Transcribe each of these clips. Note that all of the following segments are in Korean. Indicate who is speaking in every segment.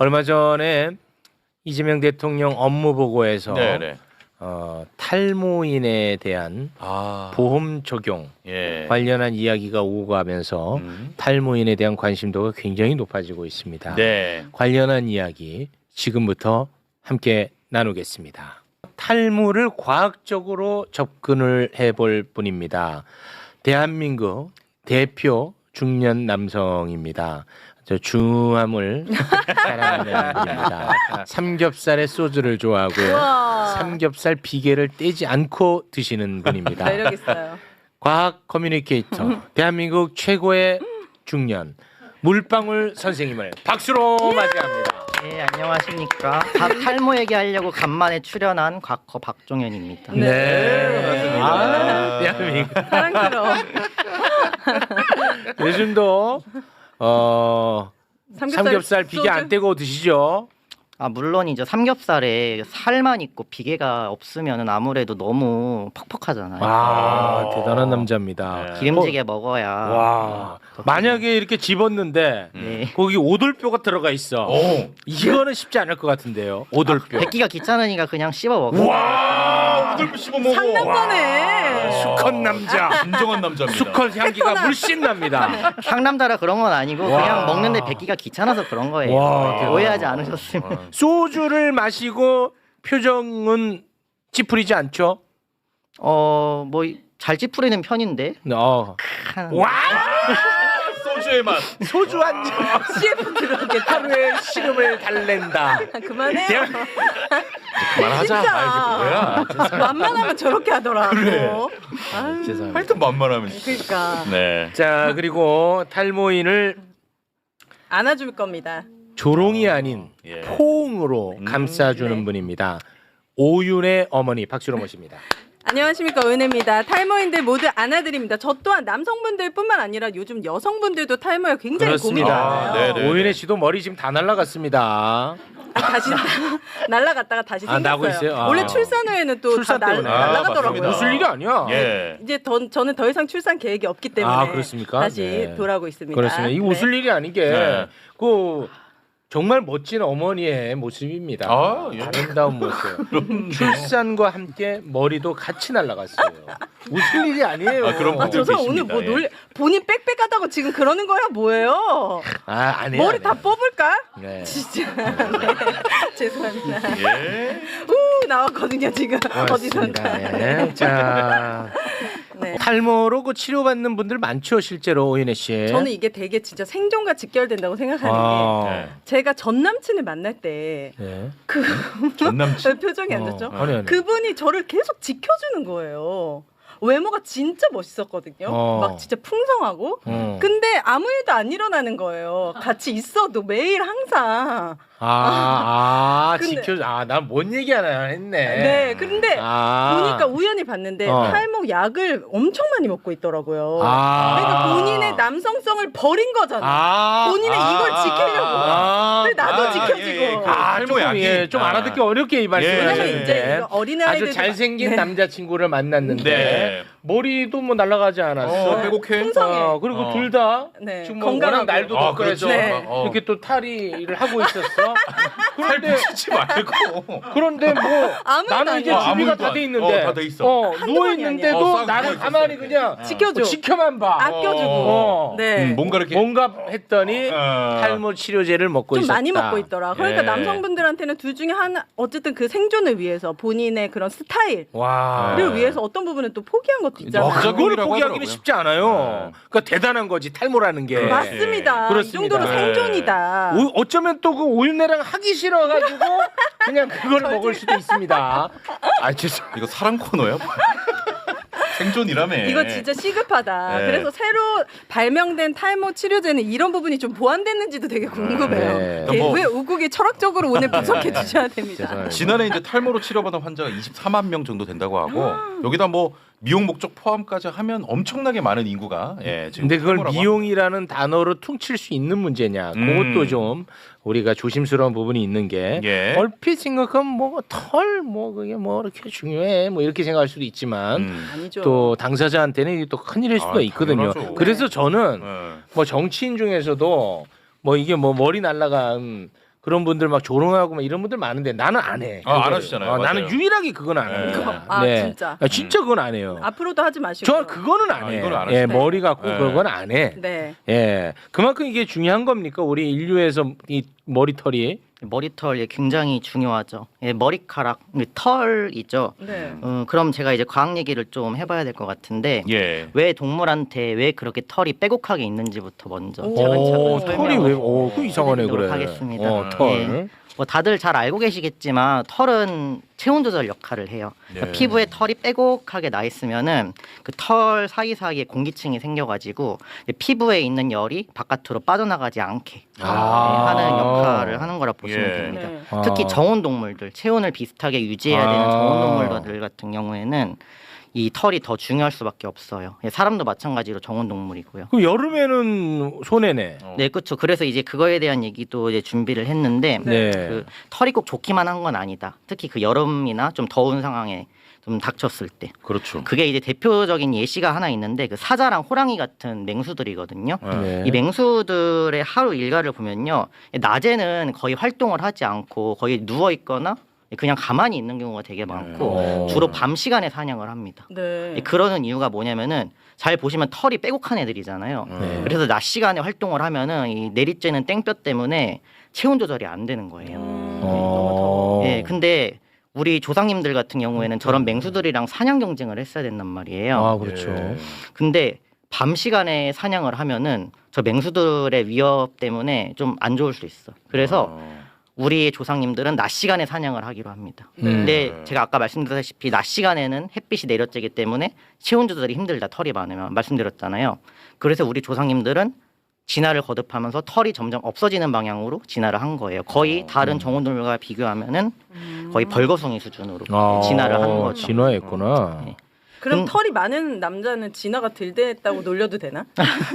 Speaker 1: 얼마 전에 이재명 대통령 업무 보고에서
Speaker 2: 네네.
Speaker 1: 탈모인에 대한 보험 적용
Speaker 2: 예.
Speaker 1: 관련한 이야기가 오고 가면서 탈모인에 대한 관심도가 굉장히 높아지고 있습니다.
Speaker 2: 네.
Speaker 1: 관련한 이야기 지금부터 함께 나누겠습니다. 탈모를 과학적으로 접근을 해볼 분입니다. 대한민국 대표 중년 남성입니다. 저 중함을 사랑하는 분입니다. 삼겹살에 소주를 좋아하고요.
Speaker 3: 우와.
Speaker 1: 삼겹살 비계를 떼지 않고 드시는 분입니다.
Speaker 3: 매력 있어요.
Speaker 1: 과학 커뮤니케이터 대한민국 최고의 중년 물방울 선생님을 박수로 맞이합니다.
Speaker 4: 네, 안녕하십니까. 탈모 얘기하려고 간만에 출연한 곽커 박종현입니다.
Speaker 1: 네. 아, 대한민국.
Speaker 3: 사랑스러워.
Speaker 1: 요즘도 삼겹살 비계 안 떼고 드시죠?
Speaker 4: 물론이죠. 삼겹살에 살만 있고 비계가 없으면 아무래도 너무 퍽퍽하잖아요.
Speaker 1: 대단한 남자입니다.
Speaker 4: 기름지게 먹어야.
Speaker 1: 와, 만약에 이렇게 집었는데
Speaker 4: 네.
Speaker 1: 거기 오돌뼈가 들어가 있어. 이거는 쉽지 않을 것 같은데요. 오돌뼈.
Speaker 4: 뱉기가 귀찮으니까 그냥 씹어 먹어요.
Speaker 2: 와, 오돌뼈 씹어 먹어.
Speaker 3: 상남자네.
Speaker 1: 수컷 남자.
Speaker 2: 진정한 남자입니다.
Speaker 1: 수컷 향기가 물씬 납니다.
Speaker 4: 상남자라 그런 건 아니고
Speaker 1: 와.
Speaker 4: 그냥 먹는데 뱉기가 귀찮아서 그런 거예요.
Speaker 1: 와.
Speaker 4: 네, 오해하지 않으셨으면.
Speaker 1: 소주를 마시고 표정은 찌푸리지 않죠?
Speaker 4: 뭐 잘 찌푸리는 편인데.
Speaker 1: 와!
Speaker 2: 소주의 맛.
Speaker 1: 소주 한 잔.
Speaker 3: CF 들어오겠다.
Speaker 1: 하루에 시름을 달랜다.
Speaker 3: 그만해요.
Speaker 2: 그만하자.
Speaker 3: 진짜.
Speaker 2: 아, 이게 뭐야?
Speaker 3: 만만하면 저렇게 하더라고.
Speaker 2: 그래.
Speaker 3: 아유,
Speaker 1: 죄송합니다.
Speaker 2: 하여튼 만만하면.
Speaker 3: 그러니까
Speaker 2: 네.
Speaker 1: 자, 그리고 탈모인을
Speaker 3: 안아줄 겁니다.
Speaker 1: 조롱이 아닌
Speaker 2: 예.
Speaker 1: 포옹으로 감싸주는
Speaker 3: 네.
Speaker 1: 분입니다. 오윤의 어머니 박수로 모십니다.
Speaker 3: 안녕하십니까, 은혜입니다. 탈모인들 모두 안아드립니다. 저 또한 남성분들뿐만 아니라 요즘 여성분들도 탈모에 굉장히 고민이 많아요.
Speaker 2: 네네.
Speaker 1: 오윤혜 씨도 머리 지금 다 날라갔습니다.
Speaker 3: 다시 날라갔다가 다시
Speaker 1: 아, 나고
Speaker 3: 생겼어요.
Speaker 1: 있어요? 아.
Speaker 3: 원래 출산 후에는 또 다
Speaker 1: 출산 때문에.
Speaker 3: 날라가더라고요.
Speaker 2: 맞습니다.
Speaker 1: 웃을 일이 아니야.
Speaker 2: 예.
Speaker 3: 이제 저는 더 이상 출산 계획이 없기 때문에
Speaker 1: 아, 그렇습니까?
Speaker 3: 다시
Speaker 1: 네.
Speaker 3: 돌아오고 있습니다.
Speaker 1: 그렇습니다. 이
Speaker 3: 네.
Speaker 1: 웃을 일이 아닌 게
Speaker 2: 네.
Speaker 1: 그 정말 멋진 어머니의 모습입니다.
Speaker 2: 아, 예.
Speaker 1: 아름다운 모습. 출산과 함께 머리도 같이 날아갔어요. 웃을 일이 아니에요.
Speaker 2: 아, 그런 분들
Speaker 3: 저 사람 오늘
Speaker 2: 계십니다.
Speaker 3: 뭐
Speaker 2: 예.
Speaker 3: 본인 빽빽하다고 지금 그러는 거야 뭐예요?
Speaker 1: 아니에요.
Speaker 3: 머리 다 뽑을까?
Speaker 1: 네.
Speaker 3: 진짜 네. 죄송합니다.
Speaker 2: 예.
Speaker 3: 우 나왔거든요 지금
Speaker 1: 고맙습니다.
Speaker 3: 어디선가.
Speaker 1: 네. 자,
Speaker 3: 네.
Speaker 1: 탈모로 그 치료받는 분들 많죠, 실제로 오윤혜 씨.
Speaker 3: 저는 이게 되게 진짜 생존과 직결된다고 생각하는
Speaker 1: 아,
Speaker 3: 게 제가 전 남친을 만날 때
Speaker 1: 네.
Speaker 2: 전 남친.
Speaker 3: 표정이 안 좋죠?
Speaker 1: 아니.
Speaker 3: 그분이 저를 계속 지켜주는 거예요. 외모가 진짜 멋있었거든요. 막 진짜 풍성하고. 근데 아무 일도 안 일어나는 거예요. 같이 있어도 매일 항상. 근데-
Speaker 1: 지켜. 난 뭔 얘기하나 했네.
Speaker 3: 네, 근데
Speaker 1: 아.
Speaker 3: 보니까 우연히 봤는데 탈모 약을 엄청 많이 먹고 있더라고요.
Speaker 1: 아.
Speaker 3: 그러니까 본인의 남성성을 버린 거잖아. 본인은 이걸 지키려고. 근데 나도 지켜지고.
Speaker 2: 탈모
Speaker 1: 조금,
Speaker 2: 약이.
Speaker 1: 예, 좀 알아듣기 어렵게 이
Speaker 3: 왜냐면 이제
Speaker 1: 말씀하셨는데
Speaker 3: 이거 어린아이들
Speaker 1: 아주 잘생긴 남자친구를 만났는데
Speaker 2: 네.
Speaker 1: 머리도 뭐 날아가지 않았어.
Speaker 2: 빼곡해.
Speaker 3: 풍성해.
Speaker 1: 그리고 둘 다
Speaker 3: 네,
Speaker 1: 지금 뭐
Speaker 3: 건강하고.
Speaker 1: 워낙 날도
Speaker 2: 아,
Speaker 1: 덥고 해서
Speaker 2: 그렇지.
Speaker 3: 네.
Speaker 1: 이렇게 또 탈의를 하고 있었어.
Speaker 2: 살
Speaker 1: 그런데
Speaker 2: 붙이지 말고.
Speaker 1: 그런데 뭐
Speaker 3: 아무 일도
Speaker 1: 나는 이제
Speaker 3: 아니야.
Speaker 1: 준비가
Speaker 2: 아무
Speaker 1: 다 돼
Speaker 2: 일도
Speaker 1: 있는데
Speaker 2: 다 돼 있어.
Speaker 3: 한두
Speaker 1: 누워
Speaker 3: 번이
Speaker 1: 있는데도
Speaker 2: 아니야. 어,
Speaker 1: 나는
Speaker 2: 싸우고
Speaker 1: 가만히
Speaker 2: 있었어.
Speaker 1: 그냥
Speaker 3: 지켜줘.
Speaker 1: 지켜만 봐.
Speaker 3: 아껴주고. 네.
Speaker 2: 뭔가 이렇게.
Speaker 1: 뭔가 했더니
Speaker 2: 어.
Speaker 1: 탈모 치료제를 먹고
Speaker 3: 좀
Speaker 1: 있었다.
Speaker 3: 많이 먹고 있더라. 그러니까
Speaker 2: 예.
Speaker 3: 남성분들한테는 둘 중에 하나 어쨌든 그 생존을 위해서 본인의 그런 스타일을
Speaker 1: 와.
Speaker 3: 위해서 어떤 부분은 또 포기한 것도 있잖아요.
Speaker 2: 와,
Speaker 1: 그걸
Speaker 2: 부작용이라고
Speaker 1: 포기하기는
Speaker 2: 하더라고요.
Speaker 1: 쉽지 않아요. 그러니까 대단한 거지 탈모라는 게.
Speaker 3: 맞습니다. 이
Speaker 1: 그렇습니다.
Speaker 3: 정도로 생존이다.
Speaker 1: 어쩌면 또 그 오윤내랑 하기 싫어가지고 그냥 그걸 먹을 수도 있습니다. 죄송.
Speaker 2: 이거 사랑 코너야? 생존이라며.
Speaker 3: 이거 진짜 시급하다.
Speaker 2: 네.
Speaker 3: 그래서 새로 발명된 탈모 치료제는 이런 부분이 좀 보완됐는지도 되게 궁금해요.
Speaker 1: 네.
Speaker 3: 이게
Speaker 2: 뭐-
Speaker 3: 왜 우국이 철학적으로 오늘 분석해 주셔야 됩니다.
Speaker 1: 죄송합니다.
Speaker 2: 지난해 이제 탈모로 치료받은 환자가 24만 명 정도 된다고 하고 여기다 뭐 미용 목적 포함까지 하면 엄청나게 많은 인구가 지금
Speaker 1: 근데 그걸
Speaker 2: 탈모라고
Speaker 1: 미용이라는 단어로 퉁칠 수 있는 문제냐? 그것도 좀 우리가 조심스러운 부분이 있는 게
Speaker 2: 예.
Speaker 1: 얼핏 생각하면 뭐 털 뭐 그게 뭐 이렇게 중요해 뭐 이렇게 생각할 수도 있지만
Speaker 3: 아니죠.
Speaker 1: 또 당사자한테는 이게 또 큰일일 수도 있거든요.
Speaker 2: 당연하죠.
Speaker 1: 그래서 저는
Speaker 2: 네.
Speaker 1: 뭐 정치인 중에서도 뭐 이게 뭐 머리 날라간 그런 분들 막 조롱하고 막 이런 분들 많은데 나는 안 해.
Speaker 2: 안
Speaker 1: 그거를.
Speaker 2: 하시잖아요.
Speaker 1: 나는
Speaker 2: 맞아요.
Speaker 1: 유일하게 그건 안
Speaker 2: 네.
Speaker 1: 합니다.
Speaker 3: 아, 진짜?
Speaker 1: 진짜 그건 안 해요.
Speaker 3: 앞으로도 하지 마시고.
Speaker 1: 저 그거는 안 해.
Speaker 2: 이거는 안
Speaker 1: 예,
Speaker 2: 하시네.
Speaker 1: 머리 갖고
Speaker 2: 네.
Speaker 1: 그건 안 해.
Speaker 3: 네.
Speaker 1: 예, 그만큼 이게 중요한 겁니까? 우리 인류에서 이 머리털이.
Speaker 4: 머리털 예, 굉장히 중요하죠. 예, 머리카락, 털이죠.
Speaker 3: 네.
Speaker 4: 그럼 제가 이제 과학 얘기를 좀 해봐야 될 것 같은데
Speaker 2: 예.
Speaker 4: 왜 동물한테 왜 그렇게 털이 빼곡하게 있는지부터 먼저
Speaker 3: 오,
Speaker 4: 차근차근
Speaker 1: 털이
Speaker 4: 설명을
Speaker 1: 왜? 그 이상하네
Speaker 4: 해드리도록
Speaker 1: 그래.
Speaker 4: 하겠습니다.
Speaker 1: 털.
Speaker 4: 예. 뭐 다들 잘 알고 계시겠지만 털은 체온 조절 역할을 해요. 그러니까
Speaker 2: 네.
Speaker 4: 피부에 털이 빼곡하게 나 있으면은 그 털 사이사이에 공기층이 생겨가지고 피부에 있는 열이 바깥으로 빠져나가지 않게 하는 역할을 하는 거라 보시면
Speaker 2: 예.
Speaker 4: 됩니다.
Speaker 3: 네.
Speaker 4: 특히 정온 동물들, 체온을 비슷하게 유지해야 되는 정온 동물들 같은 경우에는 이 털이 더 중요할 수밖에 없어요. 예, 사람도 마찬가지로 정온 동물이고요.
Speaker 1: 그럼 여름에는 손해네.
Speaker 4: 네, 그렇죠. 그래서 이제 그거에 대한 얘기도 이제 준비를 했는데
Speaker 1: 네.
Speaker 4: 그 털이 꼭 좋기만 한 건 아니다. 특히 그 여름이나 좀 더운 상황에 좀 닥쳤을 때.
Speaker 2: 그렇죠.
Speaker 4: 그게 이제 대표적인 예시가 하나 있는데 그 사자랑 호랑이 같은 맹수들이거든요.
Speaker 1: 네.
Speaker 4: 이 맹수들의 하루 일과를 보면요. 낮에는 거의 활동을 하지 않고 거의 누워 있거나 그냥 가만히 있는 경우가 되게 많고 주로 밤 시간에 사냥을 합니다.
Speaker 3: 네.
Speaker 4: 그러는 이유가 뭐냐면은 잘 보시면 털이 빼곡한 애들이잖아요.
Speaker 1: 네.
Speaker 4: 그래서 낮 시간에 활동을 하면은 이 내리쬐는 땡볕 때문에 체온 조절이 안 되는 거예요.
Speaker 3: 너무 더워.
Speaker 4: 예, 근데 우리 조상님들 같은 경우에는 저런 맹수들이랑 사냥 경쟁을 했어야 된단 말이에요.
Speaker 1: 아, 그렇죠.
Speaker 2: 예.
Speaker 4: 근데 밤 시간에 사냥을 하면은 저 맹수들의 위협 때문에 좀 안 좋을 수 있어. 그래서 우리 조상님들은 낮 시간에 사냥을 하기로 합니다. 근데 제가 아까 말씀드렸다시피 낮 시간에는 햇빛이 내려쬐기 때문에 체온 조절이 힘들다. 털이 많으면 말씀드렸잖아요. 그래서 우리 조상님들은 진화를 거듭하면서 털이 점점 없어지는 방향으로 진화를 한 거예요. 거의 다른 정원동물과 비교하면은 거의 벌거숭이 수준으로 진화를 한 거죠.
Speaker 1: 진화했구나.
Speaker 4: 네.
Speaker 3: 그럼 털이 많은 남자는 진화가 덜 됐다고 놀려도 되나?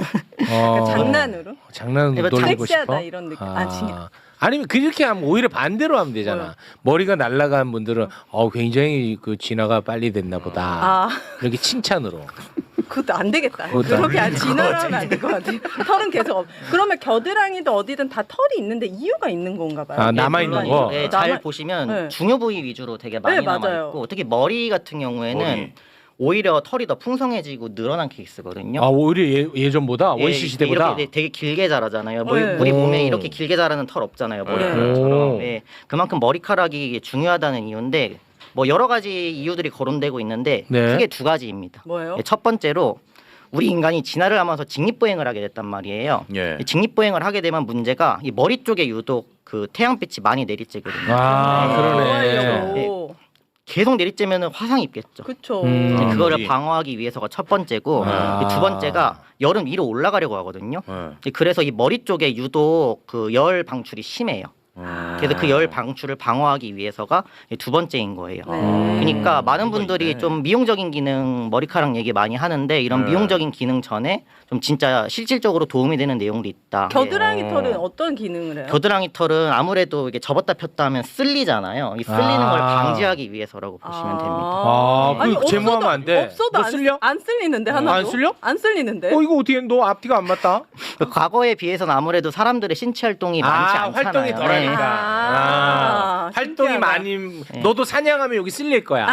Speaker 1: 어.
Speaker 3: 장난으로?
Speaker 1: 장난으로
Speaker 4: 이거
Speaker 1: 놀리고
Speaker 3: 섹시하다
Speaker 1: 싶어?
Speaker 3: 이런 느낌.
Speaker 1: 아니면 그렇게 하면 오히려 반대로 하면 되잖아.
Speaker 3: 뭐요?
Speaker 1: 머리가 날아간 분들은 굉장히 그 진화가 빨리 됐나 보다.
Speaker 3: 아,
Speaker 1: 이렇게 칭찬으로.
Speaker 3: 그것도 안 되겠다.
Speaker 1: 그것도 안
Speaker 3: 그렇게 진화를 하면 안 될 것 같아. 털은 계속 그러면 겨드랑이도 어디든 다 털이 있는데 이유가 있는 건가 봐요.
Speaker 1: 아, 남아있는
Speaker 3: 물론
Speaker 1: 거?
Speaker 4: 네,
Speaker 3: 남아-
Speaker 4: 잘 보시면
Speaker 3: 네.
Speaker 4: 중요 부위 위주로 되게 많이
Speaker 3: 네, 맞아요.
Speaker 4: 남아있고 특히 머리 같은 경우에는
Speaker 2: 머리.
Speaker 4: 오히려 털이 더 풍성해지고 늘어난 케이스거든요.
Speaker 1: 오히려 예전보다
Speaker 4: 예,
Speaker 1: 원시 시대보다.
Speaker 4: 이렇게 되게 길게 자라잖아요.
Speaker 3: 네.
Speaker 4: 우리 몸에
Speaker 1: 오.
Speaker 4: 이렇게 길게 자라는 털 없잖아요.
Speaker 1: 오.
Speaker 4: 머리카락처럼. 예, 그만큼 머리카락이 중요하다는 이유인데 뭐 여러 가지 이유들이 거론되고 있는데
Speaker 1: 네.
Speaker 4: 크게 두 가지입니다.
Speaker 3: 뭐예요?
Speaker 4: 예, 첫 번째로 우리 인간이 진화를 하면서 직립보행을 하게 됐단 말이에요.
Speaker 2: 예.
Speaker 4: 이 직립보행을 하게 되면 문제가 이 머리 쪽에 유독 그 태양빛이 많이 내리쬐거든요.
Speaker 1: 아, 그러네.
Speaker 3: 좋아하려고.
Speaker 4: 계속 내리쬐면 화상 입겠죠.
Speaker 3: 그쵸.
Speaker 1: 음.
Speaker 4: 그거를
Speaker 2: 머리.
Speaker 4: 방어하기 위해서가 첫 번째고
Speaker 1: 아.
Speaker 4: 이두 번째가 여름 위로 올라가려고 하거든요.
Speaker 2: 예.
Speaker 4: 그래서 이 머리 쪽에 유독 그 열 방출이 심해요. 그래서 그 열 방출을 방어하기 위해서가 두 번째인 거예요. 그러니까 많은 분들이
Speaker 2: 있네.
Speaker 4: 좀 미용적인 기능 머리카락 얘기 많이 하는데 이런
Speaker 2: 네.
Speaker 4: 미용적인 기능 전에 좀 진짜 실질적으로 도움이 되는 내용도 있다.
Speaker 3: 겨드랑이 털은 어떤 기능을 해요?
Speaker 4: 겨드랑이 털은 아무래도 이게 접었다 폈다 하면 쓸리잖아요. 이 쓸리는 걸 방지하기 위해서라고 보시면 됩니다.
Speaker 1: 그 제모하면 안 돼.
Speaker 3: 없어도
Speaker 1: 너 쓸려?
Speaker 3: 안 쓸리는데 하나도.
Speaker 1: 안 쓸려?
Speaker 3: 안 쓸리는데.
Speaker 1: 이거 어떻게 너 앞뒤가 안 맞다?
Speaker 4: 그 과거에 비해서는 아무래도 사람들의 신체 활동이 많지 않잖아요.
Speaker 1: 활동이 덜하니까.
Speaker 3: 아,
Speaker 1: 활동이
Speaker 3: 신기하다.
Speaker 1: 많이. 너도 사냥하면 여기 쓸릴 거야.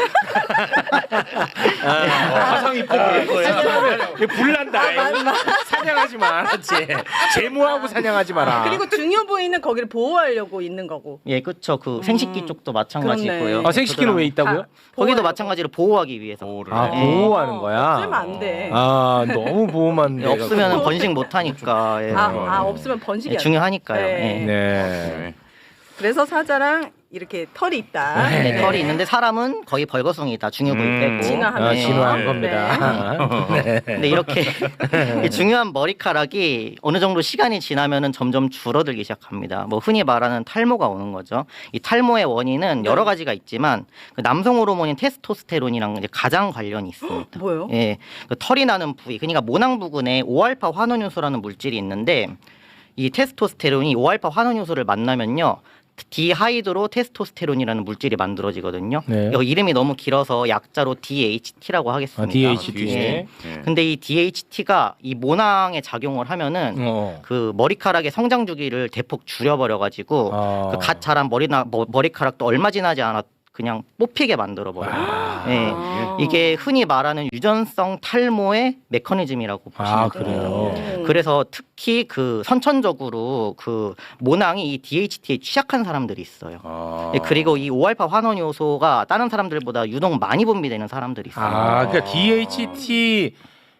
Speaker 2: 화상 입고 그럴 거예요.
Speaker 1: 사냥하면 여기 불난다. 사냥하지 마, 알았지? 제모하고 사냥하지 마라.
Speaker 3: 그리고 중요 부위는 거기를 보호하려고 있는 거고.
Speaker 4: 예, 그렇죠. 그 생식기 쪽도 마찬가지고요.
Speaker 3: 그렇네.
Speaker 1: 생식기는 왜 있다고요?
Speaker 4: 거기도
Speaker 3: 보호하려고.
Speaker 4: 마찬가지로 보호하기 위해서.
Speaker 2: 보호를
Speaker 1: 아,
Speaker 2: 해.
Speaker 1: 보호하는 거야.
Speaker 3: 없으면 안 돼.
Speaker 1: 너무 보호만
Speaker 4: 예, 없으면 번식 못 하니까. 예.
Speaker 3: 없으면 번식이
Speaker 4: 예,
Speaker 3: 안 돼.
Speaker 4: 중요하니까요.
Speaker 3: 네.
Speaker 4: 예.
Speaker 1: 네.
Speaker 3: 그래서 사자랑 이렇게 털이 있다.
Speaker 4: 네, 털이 있는데 사람은 거의 벌거숭이다. 중요 부위 빼고.
Speaker 3: 진화하면서.
Speaker 4: 네.
Speaker 1: 진화한
Speaker 3: 네.
Speaker 1: 겁니다. 네.
Speaker 4: 근데 이렇게 이 중요한 머리카락이 어느 정도 시간이 지나면은 점점 줄어들기 시작합니다. 뭐 흔히 말하는 탈모가 오는 거죠. 이 탈모의 원인은 여러 가지가 있지만 그 남성 호르몬인 테스토스테론이랑 이제 가장 관련이 있습니다.
Speaker 3: 뭐요?
Speaker 4: 예, 그 털이 나는 부위, 그러니까 모낭 부근에 5알파 환원효소라는 물질이 있는데 이 테스토스테론이 5알파 환원효소를 만나면요. 디하이드로 테스토스테론이라는 물질이 만들어지거든요.
Speaker 1: 네.
Speaker 4: 이거 이름이 너무 길어서 약자로 DHT라고 하겠습니다.
Speaker 1: DHT.
Speaker 4: 예. 근데 이 DHT가 이 모낭에 작용을 하면은 그 머리카락의 성장 주기를 대폭 줄여버려가지고 그 갓 자란 머리카락도 얼마 지나지 않았 그냥 뽑히게 만들어 버려요. 예. 이게 흔히 말하는 유전성 탈모의 메커니즘이라고 보시면 돼요.
Speaker 1: 그래요.
Speaker 4: 그래서 특히 그 선천적으로 그 모낭이 이 DHT에 취약한 사람들이 있어요. 예, 그리고 이 5알파 환원 요소가 다른 사람들보다 유독 많이 분비되는 사람들이 있어요.
Speaker 1: 그러니까 DHT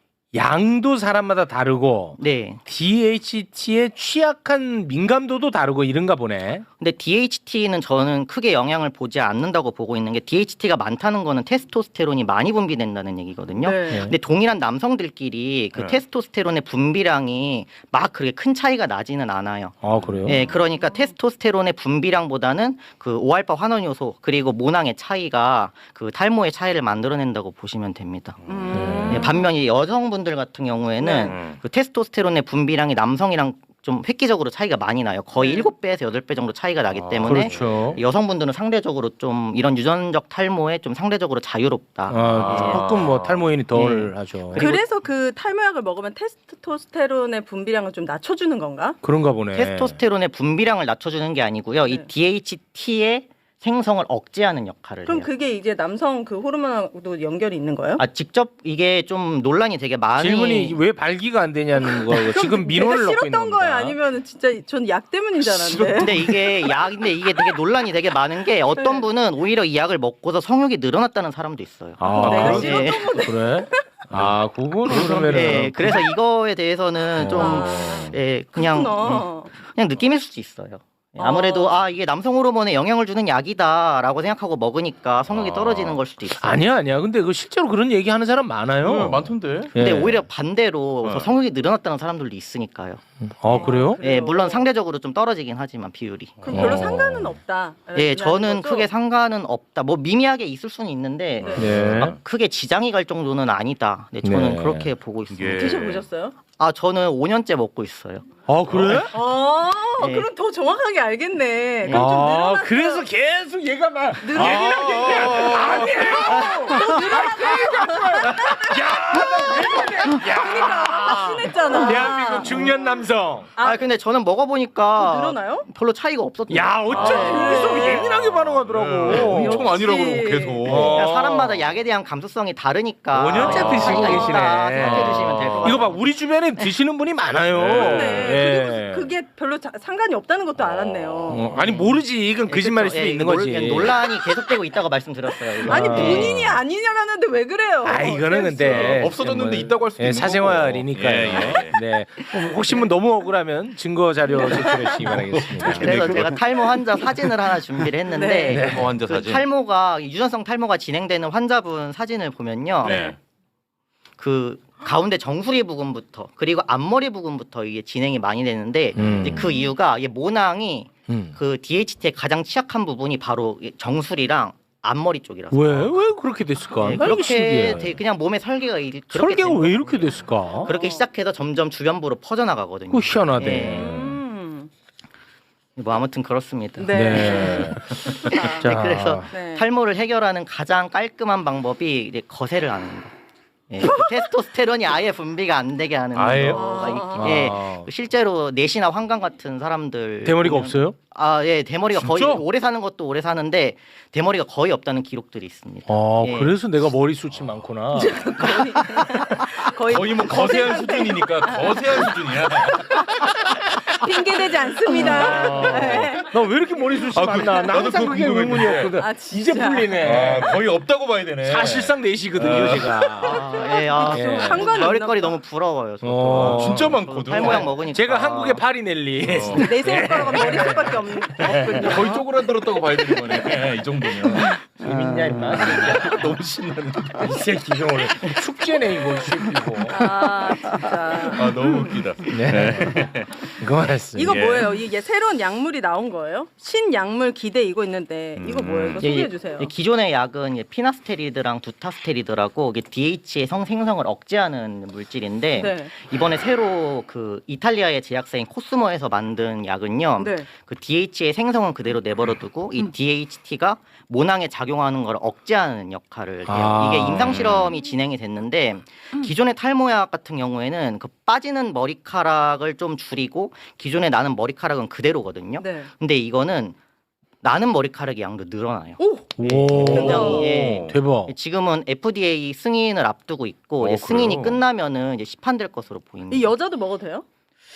Speaker 1: 양도 사람마다 다르고
Speaker 4: 네.
Speaker 1: DHT에 취약한 민감도도 다르고 이런가 보네.
Speaker 4: 근데 DHT는 저는 크게 영향을 보지 않는다고 보고 있는 게 DHT가 많다는 거는 테스토스테론이 많이 분비된다는 얘기거든요.
Speaker 3: 네.
Speaker 4: 근데 동일한 남성들끼리 그
Speaker 2: 네.
Speaker 4: 테스토스테론의 분비량이 막 그렇게 큰 차이가 나지는 않아요.
Speaker 1: 그래요?
Speaker 4: 예, 그러니까 테스토스테론의 분비량보다는 그 5알파 환원 요소 그리고 모낭의 차이가 그 탈모의 차이를 만들어낸다고 보시면 됩니다. 예, 반면 이 여성분들 같은 경우에는 그 테스토스테론의 분비량이 남성이랑 좀 획기적으로 차이가 많이 나요. 거의 7배에서 8배 정도 차이가 나기 때문에
Speaker 1: 그렇죠.
Speaker 4: 여성분들은 상대적으로 좀 이런 유전적 탈모에 좀 상대적으로 자유롭다.
Speaker 1: 조금 뭐 탈모인이 덜 하죠.
Speaker 3: 그래서 그 탈모약을 먹으면 테스토스테론의 분비량을 좀 낮춰주는 건가?
Speaker 1: 그런가 보네.
Speaker 4: 테스토스테론의 분비량을 낮춰주는 게 아니고요. 이
Speaker 3: 네.
Speaker 4: DHT의 생성을 억제하는 역할을
Speaker 3: 그럼
Speaker 4: 해요.
Speaker 3: 그게 이제 남성 그 호르몬하고도 연결이 있는 거예요?
Speaker 4: 직접 이게 좀 논란이 되게 많이
Speaker 1: 질문이 왜 발기가 안 되냐는 거고 지금 민원을
Speaker 3: 내가
Speaker 1: 넣고 있는
Speaker 3: 싫었던
Speaker 1: 겁니다.
Speaker 3: 거예요? 아니면 진짜 전 약 때문인 줄 알았는데.
Speaker 4: 근데 이게 되게 논란이 되게 많은 게 어떤 분은 오히려 이 약을 먹고서 성욕이 늘어났다는 사람도 있어요.
Speaker 3: 내가
Speaker 1: 그런-
Speaker 3: 싫었던 건데.
Speaker 1: 그래? 그거는 그러면은
Speaker 4: 예, 그래서 이거에 대해서는 좀 예, 그냥 그냥 느낌일 수도 있어요. 예, 아무래도 이게 남성 호르몬에 영향을 주는 약이다라고 생각하고 먹으니까 성욕이 떨어지는 걸 수도 있어요.
Speaker 1: 아니야. 근데 그 실제로 그런 얘기하는 사람 많아요.
Speaker 2: 많던데.
Speaker 4: 근데
Speaker 1: 예.
Speaker 4: 오히려 반대로 성욕이 늘어났다는 사람들도 있으니까요.
Speaker 1: 그래요?
Speaker 4: 예, 물론 상대적으로 좀 떨어지긴 하지만 비율이.
Speaker 3: 그럼 별로 상관은 없다.
Speaker 4: 예, 저는 크게 상관은 없다. 뭐 미미하게 있을 수는 있는데
Speaker 1: 네.
Speaker 4: 막 크게 지장이 갈 정도는 아니다. 네, 저는
Speaker 1: 네.
Speaker 4: 그렇게 보고 있습니다.
Speaker 2: 이게-
Speaker 3: 드셔보셨어요?
Speaker 4: 저는 5년째 먹고 있어요.
Speaker 1: 그래?
Speaker 4: 네.
Speaker 3: 그럼 더 정확하게 알겠네. 그럼 좀 늘어났어요.
Speaker 1: 그래서 계속 얘가 막
Speaker 3: 순했잖아.
Speaker 1: 대한민국 중년 남성.
Speaker 4: 근데 저는 먹어보니까
Speaker 3: 늘어나요?
Speaker 4: 별로 차이가 없었던
Speaker 1: 야, 어쩜 여기서 예민하게 반응하더라고.
Speaker 2: 엄청 아니라고
Speaker 3: 역시.
Speaker 2: 그러고 계속.
Speaker 4: 그러니까 사람마다 약에 대한 감수성이 다르니까
Speaker 1: 5년째 드시고
Speaker 4: 차이가
Speaker 1: 계시네.
Speaker 4: 있다 생각해 주시면 될 것 같아요.
Speaker 1: 이거 봐, 우리 주변에 드시는 분이 많아요.
Speaker 3: 네.
Speaker 1: 예.
Speaker 3: 그리고 그게 별로 상관이 없다는 것도 알았네요.
Speaker 1: 아니 모르지. 이건 거짓말일 수도
Speaker 4: 그쵸. 예,
Speaker 1: 있는
Speaker 4: 논-
Speaker 1: 거지.
Speaker 4: 논란이 계속되고 있다고 말씀드렸어요. 이거.
Speaker 3: 아니 본인이 아니냐라는데 왜 그래요?
Speaker 1: 이거는 근데
Speaker 2: 없어졌는데 있다고 할 수도 있는
Speaker 1: 사생활이니까요.
Speaker 2: 거고. 예,
Speaker 1: 네. 혹시 뭐 너무 억울하면 증거 자료 제출해 주시기 바라겠습니다.
Speaker 4: 그래서 제가 탈모 환자 사진을 하나 준비를 했는데
Speaker 3: 네.
Speaker 2: 탈모 환자
Speaker 4: 그
Speaker 2: 사진.
Speaker 4: 탈모가 유전성 탈모가 진행되는 환자분 사진을 보면요.
Speaker 2: 네.
Speaker 4: 그 가운데 정수리 부분부터 그리고 앞머리 부분부터 이게 진행이 많이 되는데 이제 그 이유가 이게 모낭이 그 DHT의 가장 취약한 부분이 바로 이 정수리랑 앞머리 쪽이라서.
Speaker 1: 왜 그렇게 됐을까?
Speaker 4: 네,
Speaker 1: 나 이게 신기해.
Speaker 4: 그렇게 그냥 몸의 설계가 그렇게
Speaker 1: 설계가
Speaker 4: 된
Speaker 1: 왜
Speaker 4: 거예요.
Speaker 1: 이렇게 됐을까?
Speaker 4: 그렇게 시작해서 점점 주변부로 퍼져나가거든요.
Speaker 1: 그거 희한하네.
Speaker 4: 예. 뭐 아무튼 그렇습니다.
Speaker 3: 네.
Speaker 1: 네. 자,
Speaker 4: 그래서
Speaker 3: 네.
Speaker 4: 탈모를 해결하는 가장 깔끔한 방법이 이제 거세를 하는 거. 예, 그 테스토스테론이 아예 분비가 안 되게 하는
Speaker 1: 아예?
Speaker 4: 거가 있긴 해. 실제로 넷이나 환강 같은 사람들
Speaker 1: 대머리가
Speaker 4: 보면-
Speaker 1: 없어요?
Speaker 4: 예, 대머리가 거의
Speaker 1: 진짜?
Speaker 4: 오래 사는 것도 오래 사는데 대머리가 거의 없다는 기록들이 있습니다. 예.
Speaker 1: 그래서 내가 머리숱이 많구나.
Speaker 2: 거의 뭐 거세한 수준이니까 거세한 수준이야.
Speaker 3: 핑계대지 않습니다. 네.
Speaker 1: 나 왜 이렇게 머리숱이 많나? 나
Speaker 2: 나도
Speaker 1: 항상
Speaker 2: 그거
Speaker 1: 그게
Speaker 2: 궁금했는데.
Speaker 1: 의문이었거든.
Speaker 3: 진짜.
Speaker 1: 이제 풀리네.
Speaker 2: 거의 없다고 봐야 되네.
Speaker 1: 사실상 넷이거든요, 제가.
Speaker 4: 예,
Speaker 3: 상관이
Speaker 4: 별거리
Speaker 3: 없나
Speaker 4: 너무 부러워요. 저도.
Speaker 2: 진짜 많거든.
Speaker 4: 탈모약 먹으니까.
Speaker 1: 제가 한국의 파리넬리.
Speaker 3: 내 생각과는 머리숱밖에 없군요.
Speaker 2: 거의 쪼그라들었다고 봐야 되는 거네. 이 정도면.
Speaker 1: 재밌냐 임마.
Speaker 2: 너무 신나는데.
Speaker 1: 이 새끼 이거 오늘 축제네 이거 이 새끼고.
Speaker 3: 아 진짜.
Speaker 2: 아 너무 웃기다.
Speaker 1: 네. 그만했어.
Speaker 3: 이거
Speaker 2: 예.
Speaker 3: 뭐예요? 이게 새로운 약물이 나온 거예요? 신약물 기대 이거 있는데 이거 뭐예요? 이거 소개해 주세요.
Speaker 4: 기존의 약은 피나스테리드랑 두타스테리드라고 이게 DH의 생성을 억제하는 물질인데
Speaker 3: 네.
Speaker 4: 이번에 새로 그 이탈리아의 제약사인 코스모에서 만든 약은요.
Speaker 3: 네.
Speaker 4: 그 DH의 생성은 그대로 내버려두고 이 DHT가 모낭에 작용하는 걸 억제하는 역할을 해요.
Speaker 1: 아.
Speaker 4: 이게 임상 실험이 진행이 됐는데 기존의 탈모약 같은 경우에는 그 빠지는 머리카락을 좀 줄이고 기존에 나는 머리카락은 그대로거든요.
Speaker 3: 네.
Speaker 4: 근데 이거는 나는 머리카락의 양도 늘어나요.
Speaker 3: 오.
Speaker 1: 오.
Speaker 4: 굉장히, 예.
Speaker 1: 대박.
Speaker 4: 지금은 FDA 승인을 앞두고 있고 이제 승인이
Speaker 2: 그래요?
Speaker 4: 끝나면은 이제 시판될 것으로 보입니다.
Speaker 3: 이 여자도 먹어도 돼요?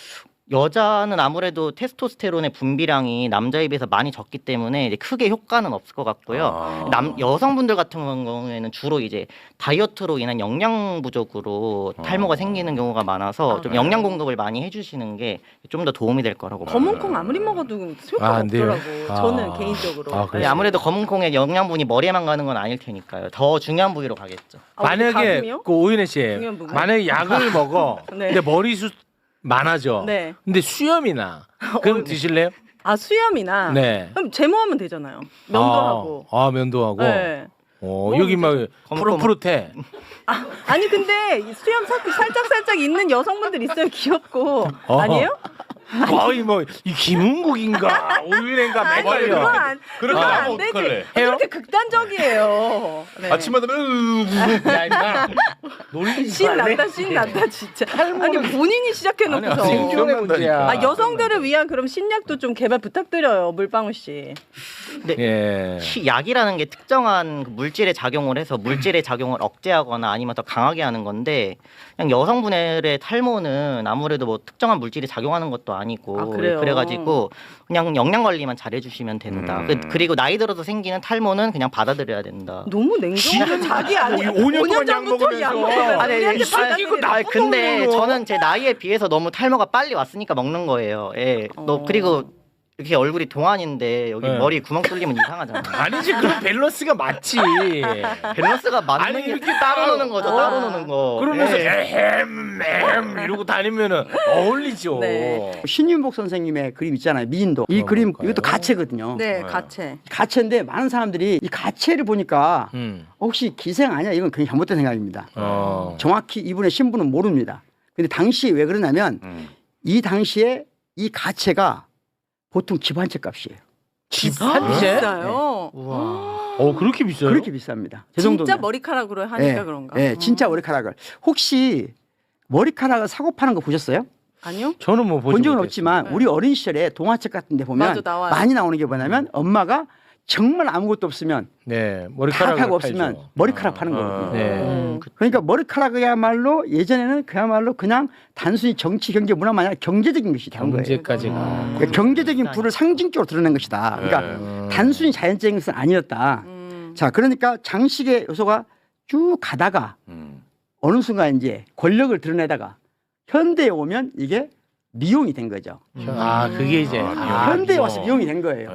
Speaker 4: 여자는 아무래도 테스토스테론의 분비량이 남자에 비해서 많이 적기 때문에 이제 크게 효과는 없을 것 같고요. 여성분들 같은 경우에는 주로 이제 다이어트로 인한 영양 부족으로 탈모가 생기는 경우가 많아서 좀 영양 공급을 많이 해주시는 게 좀 더 도움이 될 거라고 봅니다.
Speaker 3: 검은콩 아무리 먹어도 효과가
Speaker 1: 안 돼요?
Speaker 3: 없더라고.
Speaker 1: 아.
Speaker 3: 저는 개인적으로.
Speaker 1: 아, 그래요?
Speaker 4: 네, 아무래도 검은콩의 영양분이 머리에만 가는 건 아닐 테니까요. 더 중요한 부위로 가겠죠.
Speaker 3: 아, 우리
Speaker 1: 만약에
Speaker 3: 가슴이요?
Speaker 1: 그 오윤혜 씨
Speaker 3: 중요한 부분.
Speaker 1: 만약에 약을 먹어.
Speaker 3: 네.
Speaker 1: 근데 머리숱 많아져.
Speaker 3: 네.
Speaker 1: 근데 수염이 나. 그럼 드실래요?
Speaker 3: 아 수염이나.
Speaker 1: 네.
Speaker 3: 그럼 제모하면 되잖아요. 면도하고.
Speaker 1: 아 면도하고.
Speaker 3: 네.
Speaker 1: 여기 막
Speaker 4: 검은
Speaker 1: 푸릇푸릇해.
Speaker 3: 아니 근데 이 수염 살짝 있는 여성분들 있어요. 귀엽고. 아니에요?
Speaker 1: 거의 뭐 이 김은국인가 오윤혜인가
Speaker 3: 아니 그건
Speaker 1: 헷갈려.
Speaker 3: 안,
Speaker 2: 그렇게
Speaker 3: 그건
Speaker 2: 하면
Speaker 3: 안 되지.
Speaker 2: 어떡할래?
Speaker 3: 그렇게 극단적이에요. 네.
Speaker 2: 아침마다
Speaker 1: 야 임마. 놀리지
Speaker 3: 신
Speaker 1: 말래.
Speaker 3: 난다 신 난다 진짜. 아니 본인이 시작해놓고서.
Speaker 2: 아니,
Speaker 1: 생존의
Speaker 2: 기억난다니까.
Speaker 1: 문제야.
Speaker 3: 아 여성들을 위한 그럼 신약도 좀 개발 부탁드려요, 물방울 씨.
Speaker 1: 예.
Speaker 4: 약이라는 게 특정한 그 물질에 작용을 해서 물질의 작용을 억제하거나 아니면 더 강하게 하는 건데 그냥 여성분들의 탈모는 아무래도 뭐 특정한 물질이 작용하는 것도 아니고
Speaker 3: 아, 그래요?
Speaker 4: 그래가지고 그냥 영양 관리만 잘해주시면 된다. 그리고 나이 들어서 생기는 탈모는 그냥 받아들여야 된다.
Speaker 3: 너무 냉정해. 자기 아니
Speaker 1: 5년 동안 약
Speaker 3: 전부터 약
Speaker 1: 먹으면서.
Speaker 3: 먹으면서
Speaker 4: 아니,
Speaker 3: 우리한테
Speaker 1: 이 새끼 이거
Speaker 3: 받아들이라.
Speaker 4: 근데
Speaker 1: 먹는 거.
Speaker 4: 저는 제 나이에 비해서 너무 탈모가 빨리 왔으니까 먹는 거예요. 예. 그리고 이렇게 얼굴이 동안인데 여기
Speaker 1: 네.
Speaker 4: 머리 구멍 뚫리면 이상하잖아요.
Speaker 1: 아니지 그럼 밸런스가 맞지.
Speaker 4: 밸런스가 맞는
Speaker 1: 아니,
Speaker 4: 게
Speaker 1: 이렇게
Speaker 4: 따로 노는 거죠. 따로 노는 거.
Speaker 1: 그러면서
Speaker 4: 예.
Speaker 1: 에헴 이러고 다니면은 어울리죠.
Speaker 3: 네.
Speaker 5: 신윤복 선생님의 그림 있잖아요. 미인도. 이 그림
Speaker 1: 볼까요?
Speaker 5: 이것도 가채거든요.
Speaker 3: 네, 가채.
Speaker 5: 가채인데 많은 사람들이 이 가채를 보니까
Speaker 1: 음.
Speaker 5: 혹시 기생 아니야? 이건 굉장히 잘못된 생각입니다. 정확히 이분의 신분은 모릅니다. 근데 당시 왜 그러냐면 이 당시에 이 가채가 보통 집 한 채 값이에요.
Speaker 1: 집 한 채?
Speaker 3: 비싸요.
Speaker 1: 그렇게 비싸요?
Speaker 5: 그렇게 비쌉니다. 저 정도면.
Speaker 3: 진짜 머리카락으로 하니까
Speaker 5: 예,
Speaker 3: 그런가?
Speaker 5: 예, 진짜 머리카락을. 혹시 머리카락을 사고 파는 거 보셨어요?
Speaker 3: 아니요?
Speaker 1: 저는 뭐 보지
Speaker 5: 본 적은
Speaker 1: 못했어요.
Speaker 5: 없지만
Speaker 3: 네.
Speaker 5: 우리 어린 시절에 동화책 같은 데 보면
Speaker 3: 맞아, 나와요.
Speaker 5: 많이 나오는 게 뭐냐면 엄마가 정말 아무것도 없으면
Speaker 1: 네
Speaker 5: 다
Speaker 1: 머리카락을
Speaker 5: 하고 없으면
Speaker 1: 팔죠.
Speaker 5: 머리카락 파는 거거든요.
Speaker 1: 네.
Speaker 5: 그러니까 머리카락이야말로 예전에는 그야말로 그냥 단순히 정치, 경제, 문화만 아니라 경제적인 것이 다른 거예요.
Speaker 1: 경제까지가.
Speaker 5: 그러니까 경제적인 부를 상징적으로 드러낸 것이다. 그러니까 단순히 자연적인 것은 아니었다. 자, 그러니까 장식의 요소가 쭉 가다가 어느 순간 이제 권력을 드러내다가 현대에 오면 이게 미용이 된 거죠.
Speaker 1: 그게 이제
Speaker 5: 현대에 와서 미용이 된 거예요.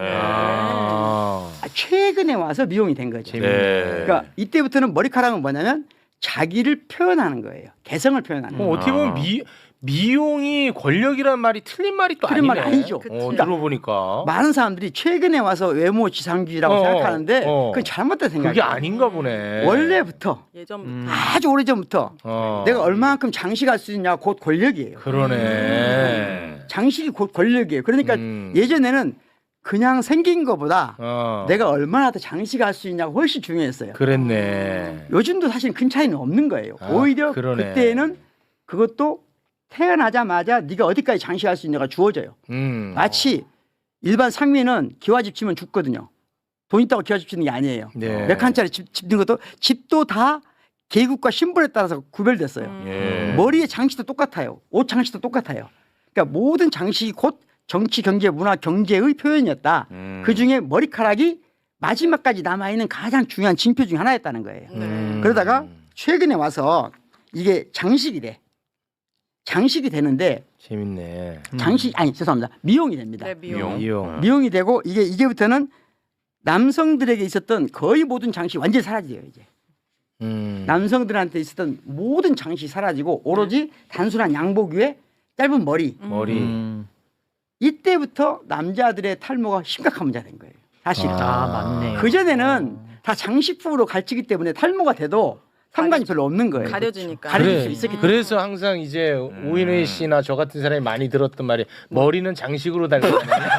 Speaker 1: 아.
Speaker 5: 최근에 와서 미용이 된 거죠. 그러니까 이때부터는 머리카락은 뭐냐면 자기를 표현하는 거예요. 개성을 표현하는 거예요.
Speaker 1: 어떻게 보면 미용이 권력이란 말이 틀린 말이 또
Speaker 5: 틀린
Speaker 1: 아니네.
Speaker 5: 말 아니죠.
Speaker 1: 들어보니까
Speaker 5: 많은 사람들이 최근에 와서 외모 지상주의라고 생각하는데 그건 잘못된 생각이에요.
Speaker 1: 그게 아닌가 보네.
Speaker 5: 원래부터
Speaker 3: 예전부터.
Speaker 5: 아주 오래전부터 내가 얼마만큼 장식할 수 있냐 곧 권력이에요.
Speaker 1: 그러네.
Speaker 5: 장식이 곧 권력이에요. 그러니까 예전에는 그냥 생긴 것보다 내가 얼마나 더 장식할 수 있냐가 훨씬 중요했어요.
Speaker 1: 그랬네.
Speaker 5: 요즘도 사실 큰 차이는 없는 거예요. 오히려
Speaker 1: 그러네.
Speaker 5: 그때는 그것도 태어나자마자 네가 어디까지 장식할 수 있냐가 주어져요. 마치 일반 상민은 기와집 치면 죽거든요. 돈 있다고 기와집 치는 게 아니에요.
Speaker 1: 네.
Speaker 5: 몇 칸짜리 집 짓는 것도 집도 다 계급과 신분에 따라서 구별됐어요. 머리의 장식도 똑같아요. 옷 장식도 똑같아요. 그러니까 모든 장식이 곧 정치, 경제, 문화, 경제의 표현이었다. 그중에 머리카락이 마지막까지 남아있는 가장 중요한 징표 중에 하나였다는 거예요. 그러다가 최근에 와서 이게 장식이 돼. 장식이 되는데
Speaker 1: 재밌네.
Speaker 5: 장식 아니 죄송합니다. 미용이 됩니다.
Speaker 3: 네, 미용.
Speaker 1: 미용.
Speaker 5: 미용이 되고 이제부터는 남성들에게 있었던 거의 모든 장식이 완전히 사라져요 이제.
Speaker 1: 음.
Speaker 5: 남성들한테 있었던 모든 장식이 사라지고 오로지 단순한 양복 위에 짧은 머리.
Speaker 1: 머리.
Speaker 5: 이때부터 남자들의 탈모가 심각한 문제가 된 거예요. 사실.
Speaker 4: 아 맞네요.
Speaker 5: 그 전에는 다 장식품으로 가르치기 때문에 탈모가 돼도 상관이 별로 없는 거예요.
Speaker 3: 가려지니까.
Speaker 5: 가려질 수 있었기 때문에.
Speaker 1: 그래서 항상 이제 오인혜 씨나 저 같은 사람이 많이 들었던 말이 머리는 장식으로 달고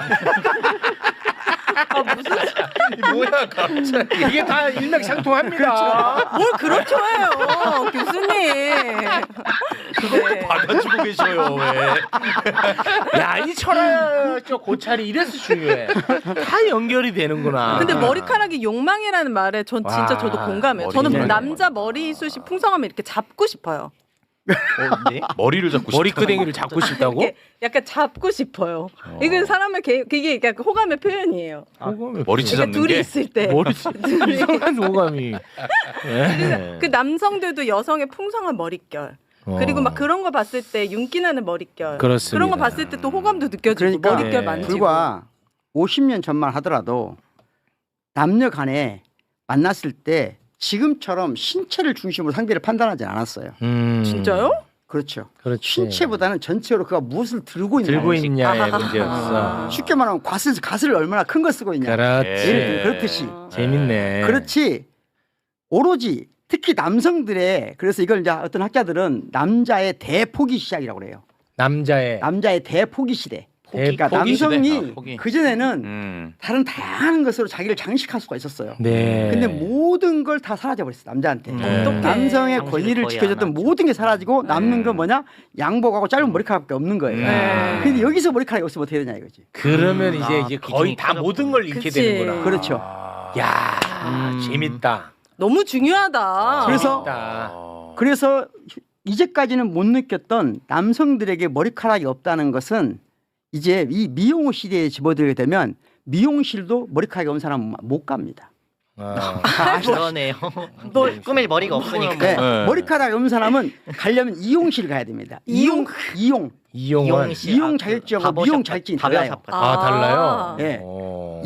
Speaker 2: 뭐야 갑자기.
Speaker 1: 이게 다 일맥상통합니다.
Speaker 3: 뭘 그렇죠 해요, 교수님. 네.
Speaker 2: 받아주고 계셔요 왜?
Speaker 1: 야, 이 철학적 고찰이 이래서 중요해. 다 연결이 되는구나.
Speaker 3: 근데 머리카락이 욕망이라는 말에 전 진짜
Speaker 1: 와,
Speaker 3: 저도 공감해요.
Speaker 2: 머리
Speaker 3: 저는
Speaker 2: 욕망.
Speaker 3: 남자 머리숱이 풍성하면 이렇게 잡고 싶어요.
Speaker 4: 네?
Speaker 2: 머리를 잡고 싶다.
Speaker 1: 머리끄댕이를 잡고 싶다고?
Speaker 3: 이렇게 약간 잡고 싶어요. 이게 사람을 그게 약간 호감의 표현이에요.
Speaker 2: 머리채
Speaker 3: 그러니까
Speaker 2: 잡는
Speaker 3: 둘이
Speaker 2: 게
Speaker 3: 있을 때.
Speaker 1: 머리
Speaker 3: 둘이.
Speaker 1: 이상한 오감이.
Speaker 3: 그 남성들도 여성의 풍성한 머릿결. 그리고 막 그런 거 봤을 때 윤기 나는 머릿결.
Speaker 1: 그렇습니다.
Speaker 3: 그런 거 봤을 때 또 호감도 느껴지고
Speaker 5: 그러니까
Speaker 3: 머릿결
Speaker 1: 네.
Speaker 3: 만지고.
Speaker 5: 불과 50년 전만 하더라도 남녀 간에 만났을 때 지금처럼 신체를 중심으로 상대를 판단하지 않았어요.
Speaker 3: 진짜요?
Speaker 5: 그렇죠.
Speaker 1: 그렇지.
Speaker 5: 신체보다는 전체적으로 그가 무엇을 들고 있느냐.
Speaker 1: 들고 있냐의
Speaker 3: 아하하.
Speaker 1: 문제였어.
Speaker 5: 쉽게 말하면 가슬을 얼마나 큰 거 쓰고 있냐.
Speaker 1: 그렇지.
Speaker 5: 예를 들면 그렇듯이.
Speaker 1: 재밌네.
Speaker 5: 그렇지. 오로지 특히 남성들의 그래서 이걸 이제 어떤 학자들은 남자의 대포기 시작이라고 그래요.
Speaker 1: 남자의
Speaker 5: 남자의 대포기 시대. 그러니까
Speaker 1: 대포기 시대.
Speaker 5: 남성이
Speaker 2: 포기.
Speaker 5: 그전에는 다른 다양한 것으로 자기를 장식할 수가 있었어요.
Speaker 1: 네.
Speaker 5: 근데 모든 걸 다 사라져버렸어 남자한테.
Speaker 3: 어떡해.
Speaker 5: 남성의
Speaker 4: 당신을
Speaker 5: 권리를
Speaker 4: 거의
Speaker 5: 지켜줬던
Speaker 4: 안 하죠.
Speaker 5: 모든 게 사라지고 남는 건 뭐냐? 양복하고 짧은 머리카락밖에 없는 거예요.
Speaker 3: 네.
Speaker 5: 근데 여기서 머리카락이 없으면 어떻게 되냐 이거지.
Speaker 1: 그러면 이제
Speaker 4: 아,
Speaker 1: 이제
Speaker 4: 비중이
Speaker 1: 거의 다
Speaker 4: 커졌구나.
Speaker 1: 모든 걸 잃게
Speaker 3: 그치.
Speaker 1: 되는구나.
Speaker 5: 그렇죠.
Speaker 1: 야, 재밌다.
Speaker 3: 너무 중요하다.
Speaker 5: 그래서
Speaker 1: 재밌다.
Speaker 5: 그래서 이제까지는 못 느꼈던 남성들에게 머리카락이 없다는 것은 이제 이 미용 시대에 집어들게 되면 미용실도 머리카락이 없는 사람은 못 갑니다.
Speaker 1: 아.
Speaker 4: 그러네요. 꾸밀 머리가 없으니까.
Speaker 5: 네.
Speaker 2: 네.
Speaker 5: 머리카락이 없는 사람은 가려면 이용실 가야 됩니다. 이용
Speaker 1: 이용은
Speaker 5: 이용 자격증하고 미용 자격증이 달라요.
Speaker 1: 아, 달라요.
Speaker 5: 네.
Speaker 1: 어.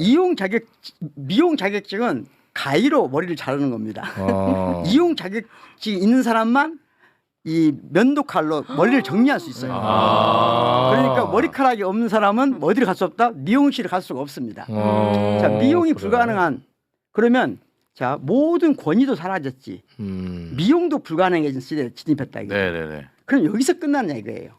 Speaker 5: 미용 자격증은 가위로 머리를 자르는 겁니다.
Speaker 1: 어.
Speaker 5: 이용 자격증이 있는 사람만 이 면도칼로 머리를 정리할 수 있어요.
Speaker 1: 아.
Speaker 5: 그러니까 머리카락이 없는 사람은 어디를 갈 수 없다? 미용실을 갈 수가 없습니다.
Speaker 1: 어.
Speaker 5: 자, 미용이
Speaker 1: 그래.
Speaker 5: 불가능한 그러면 자 모든 권위도 사라졌지. 미용도 불가능해진 시대에 진입했다 이거.
Speaker 2: 네네네.
Speaker 5: 그럼 여기서 끝나느냐 이거예요.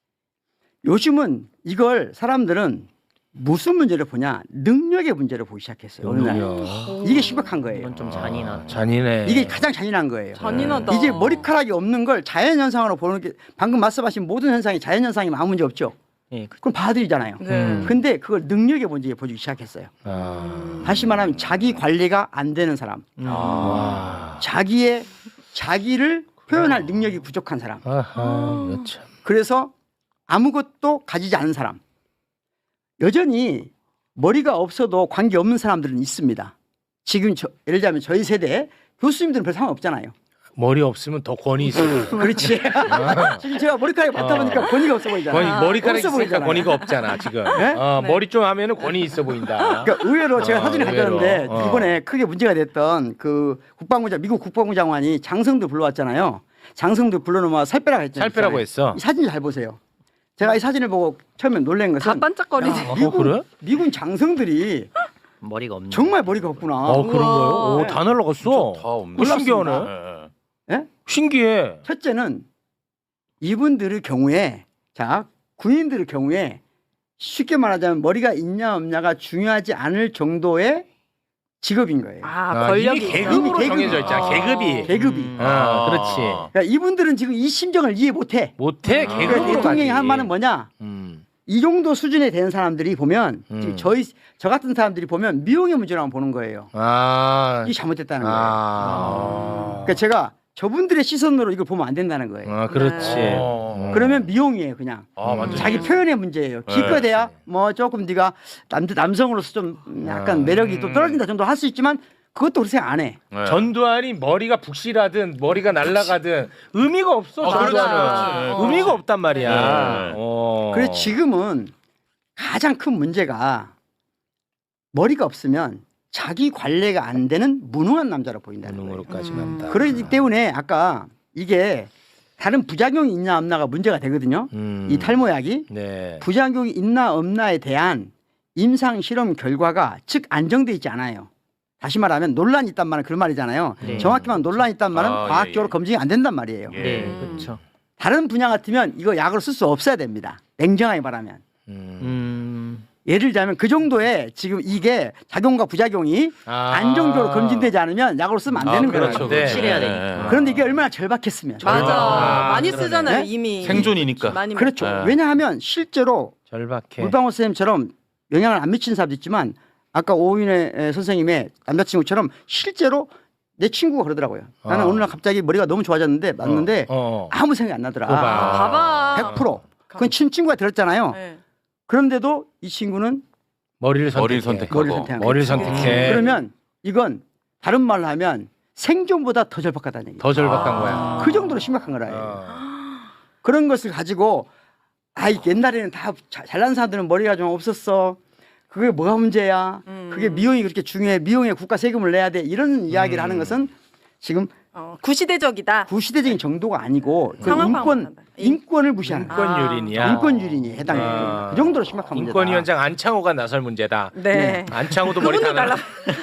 Speaker 5: 요즘은 이걸 사람들은 무슨 문제를 보냐? 능력의 문제를 보기 시작했어요. 어느 날. 이게 심각한 거예요.
Speaker 4: 이건 좀 잔인한.
Speaker 1: 잔인해.
Speaker 5: 이게 가장 잔인한 거예요.
Speaker 3: 잔인하다.
Speaker 5: 이제 머리카락이 없는 걸 자연현상으로 보는 게 방금 말씀하신 모든 현상이 자연현상이면 아무 문제 없죠.
Speaker 4: 예,
Speaker 5: 그럼 봐드리잖아요.
Speaker 3: 네.
Speaker 5: 근데 그걸 능력의 문제에 보기 시작했어요.
Speaker 1: 아.
Speaker 5: 다시 말하면 자기 관리가 안 되는 사람,
Speaker 1: 와.
Speaker 5: 자기를 표현할 능력이 부족한 사람.
Speaker 1: 아하. 이거 참.
Speaker 5: 그래서 아무것도 가지지 않은 사람. 여전히 머리가 없어도 관계 없는 사람들은 있습니다. 지금 예를 들자면 저희 세대 교수님들은 별 상관 없잖아요.
Speaker 1: 머리 없으면 더 권위 있어.
Speaker 5: 그렇지. 지금 제가 머리카락이 많다 보니까 권위가 없어 보이잖아요.
Speaker 1: 권위 머리카락
Speaker 5: 없어
Speaker 1: 있으니까
Speaker 5: 보이잖아요.
Speaker 1: 권위가 없잖아 지금.
Speaker 5: 네?
Speaker 1: 머리 좀 하면은 권위 있어 보인다.
Speaker 5: 그러니까 의외로 제가 사진을
Speaker 1: 의외로.
Speaker 5: 가져왔는데 이번에 크게 문제가 됐던 그 미국 국방부 장관이 장성들 불러왔잖아요. 장성들 불러놓으면 살 빼라고 했잖아요.
Speaker 1: 살 빼라고 했어.
Speaker 5: 이 사진 잘 보세요. 제가 이 사진을 보고 처음에 놀란
Speaker 3: 다
Speaker 5: 것은
Speaker 3: 반짝거리지.
Speaker 1: 그래?
Speaker 5: 미군 장성들이
Speaker 4: 머리가 없는.
Speaker 5: 정말 머리가 없구나.
Speaker 1: 그런 거요? 오,
Speaker 5: 네.
Speaker 1: 다 날라갔어.
Speaker 2: 다 없네.
Speaker 1: 그 신기하네.
Speaker 2: 네.
Speaker 5: 예?
Speaker 1: 신기해.
Speaker 5: 첫째는 이분들의 경우에 자 군인들의 경우에 쉽게 말하자면 머리가 있냐 없냐가 중요하지 않을 정도의 직업인 거예요.
Speaker 3: 권력이
Speaker 1: 이미
Speaker 3: 있어.
Speaker 1: 계급으로
Speaker 5: 이미 계급이.
Speaker 1: 정해져 있잖아. 계급이.
Speaker 5: 계급이.
Speaker 1: 그렇지.
Speaker 5: 그러니까 이분들은 지금 이 심정을 이해 못해.
Speaker 1: 못해
Speaker 5: 그러니까
Speaker 1: 계급으로
Speaker 5: 대통령이
Speaker 1: 가지.
Speaker 5: 한 말은 뭐냐? 이 정도 수준에 되는 사람들이 보면 지금 저 같은 사람들이 보면 미용의 문제라고 보는 거예요.
Speaker 1: 아.
Speaker 5: 이게 잘못됐다는 거예요.
Speaker 1: 아.
Speaker 5: 그러니까 제가 저분들의 시선으로 이걸 보면 안 된다는 거예요.
Speaker 1: 아, 그렇지.
Speaker 5: 그러면 미용이에요, 그냥.
Speaker 2: 완전
Speaker 5: 자기 표현의 문제예요. 기껏해야 뭐 조금 네가 남성으로서 좀 약간 매력이 또 떨어진다 정도 할 수 있지만 그것도 그렇게 생각 안 해.
Speaker 2: 네.
Speaker 1: 전두환이 머리가 북실하든 머리가 날아가든 의미가 없어.
Speaker 2: 그렇지,
Speaker 1: 전두환은.
Speaker 2: 그렇지.
Speaker 1: 의미가 없단 말이야.
Speaker 2: 네.
Speaker 5: 그래서 지금은 가장 큰 문제가 머리가 없으면 자기 관리가 안 되는 무능한 남자로 보인다는 거예요.
Speaker 1: 무능으로까지 간다.
Speaker 5: 그렇기 때문에 아까 이게 다른 부작용이 있냐 없나가 문제가 되거든요. 이 탈모약이
Speaker 1: 네.
Speaker 5: 부작용이 있나 없나에 대한 임상 실험 결과가 즉 안정돼 있지 않아요. 다시 말하면 논란이 있단 말은 그런 말이잖아요.
Speaker 4: 네.
Speaker 5: 정확히 말하면 논란이 있단 말은
Speaker 2: 아,
Speaker 5: 과학적으로
Speaker 2: 예, 예.
Speaker 5: 검증이 안 된단 말이에요.
Speaker 2: 예.
Speaker 4: 네, 그렇죠.
Speaker 5: 다른 분야 같으면 이거 약으로 쓸 수 없어야 됩니다. 냉정하게 말하면. 예를 들자면 그 정도의 지금 이게 작용과 부작용이 안정적으로 검증되지 않으면 약으로 쓰면 안 되는 거예요.
Speaker 2: 그렇죠.
Speaker 1: 네.
Speaker 4: 확실해야
Speaker 2: 네.
Speaker 4: 되니까.
Speaker 5: 그런데 이게 얼마나 절박했으면.
Speaker 3: 맞아. 많이
Speaker 1: 그러네.
Speaker 3: 쓰잖아요
Speaker 5: 네?
Speaker 3: 이미.
Speaker 2: 생존이니까.
Speaker 3: 많이
Speaker 5: 그렇죠.
Speaker 2: 네.
Speaker 5: 왜냐하면 실제로
Speaker 1: 절박해.
Speaker 5: 물방울 선생님처럼 영향을 안 미치는 사람도 있지만 아까 오윤혜 선생님의 남자친구처럼 실제로 내 친구가 그러더라고요. 나는 어느 날 갑자기 머리가 너무 좋아졌는데 맞는데 아무 생각이 안 나더라.
Speaker 3: 봐봐.
Speaker 5: 100%. 그건 친구가 들었잖아요.
Speaker 3: 네.
Speaker 5: 그런데도 이 친구는
Speaker 1: 머리를
Speaker 2: 머리를
Speaker 1: 선택해.
Speaker 2: 선택하고.
Speaker 5: 머리를 선택한
Speaker 1: 머리를
Speaker 5: 거예요.
Speaker 1: 선택해.
Speaker 5: 그러면 이건 다른 말로 하면 생존보다 더 절박하다는 얘기예요.
Speaker 1: 더 절박한 거야.
Speaker 5: 그 정도로 심각한 거라요. 그런 것을 가지고 옛날에는 다 잘난 사람들은 머리가 좀 없었어. 그게 뭐가 문제야? 그게 미용이 그렇게 중요해. 미용에 국가 세금을 내야 돼. 이런 이야기를 하는 것은 지금
Speaker 3: 구시대적이다.
Speaker 5: 구시대적인 정도가 아니고 그
Speaker 3: 상황
Speaker 5: 인권
Speaker 3: 파악한다.
Speaker 5: 인권을 무시하는
Speaker 1: 인권유린이야.
Speaker 5: 인권유린이 해당돼요. 그 정도로 심각한 문제다.
Speaker 1: 인권위원장 안창호가 나설 문제다.
Speaker 3: 네.
Speaker 1: 안창호도 머리
Speaker 3: 그분도
Speaker 1: 타나.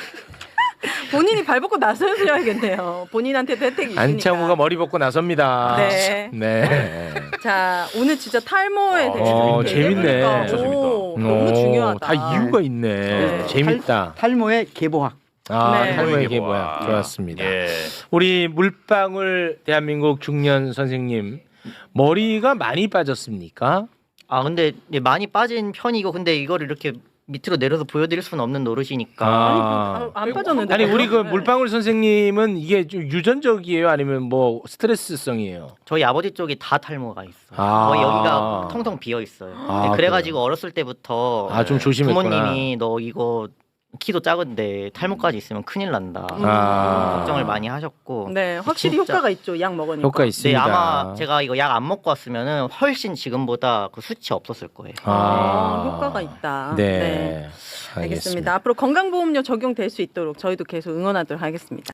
Speaker 3: 본인이 발 벗고 나서셔야겠네요. 본인한테도 혜택이 있으니까.
Speaker 1: 안창호가 머리 벗고 나섭니다.
Speaker 3: 네.
Speaker 1: 네.
Speaker 3: 자 오늘 진짜 탈모에 대해서 이렇게
Speaker 1: 재밌네.
Speaker 3: 얘기해보니까
Speaker 2: 진짜 재밌다.
Speaker 3: 너무 중요하다.
Speaker 1: 다 이유가 있네.
Speaker 3: 네.
Speaker 1: 재밌다.
Speaker 5: 탈모의 계보학.
Speaker 3: 네.
Speaker 1: 탈모의
Speaker 2: 이게
Speaker 1: 계보야. 좋았습니다.
Speaker 2: 예.
Speaker 1: 우리 물방울 대한민국 중년 선생님 머리가 많이 빠졌습니까?
Speaker 4: 아 근데 많이 빠진 편이고 근데 이거를 이렇게 밑으로 내려서 보여드릴 수는 없는 노릇이니까.
Speaker 3: 안 빠졌는데.
Speaker 1: 아니 우리 그
Speaker 3: 네.
Speaker 1: 물방울 선생님은 이게 좀 유전적이에요, 아니면 뭐 스트레스성이에요?
Speaker 4: 저희 아버지 쪽이 다 탈모가 있어요.
Speaker 1: 아.
Speaker 4: 거의 여기가 텅텅 비어 있어요.
Speaker 1: 아,
Speaker 4: 그래가지고 어렸을 때부터
Speaker 1: 좀 조심했구나.
Speaker 4: 부모님이 너 이거 키도 작은데 탈모까지 있으면 큰일 난다. 걱정을 많이 하셨고.
Speaker 3: 네, 확실히
Speaker 4: 진짜.
Speaker 3: 효과가 있죠. 약 먹으니까.
Speaker 1: 효과
Speaker 4: 네,
Speaker 1: 있습니다.
Speaker 4: 아마 제가 이거 약 안 먹고 왔으면은 훨씬 지금보다 그 수치 없었을 거예요.
Speaker 3: 효과가 있다.
Speaker 1: 네.
Speaker 3: 알겠습니다. 앞으로 건강보험료 적용될 수 있도록 저희도 계속 응원하도록 하겠습니다.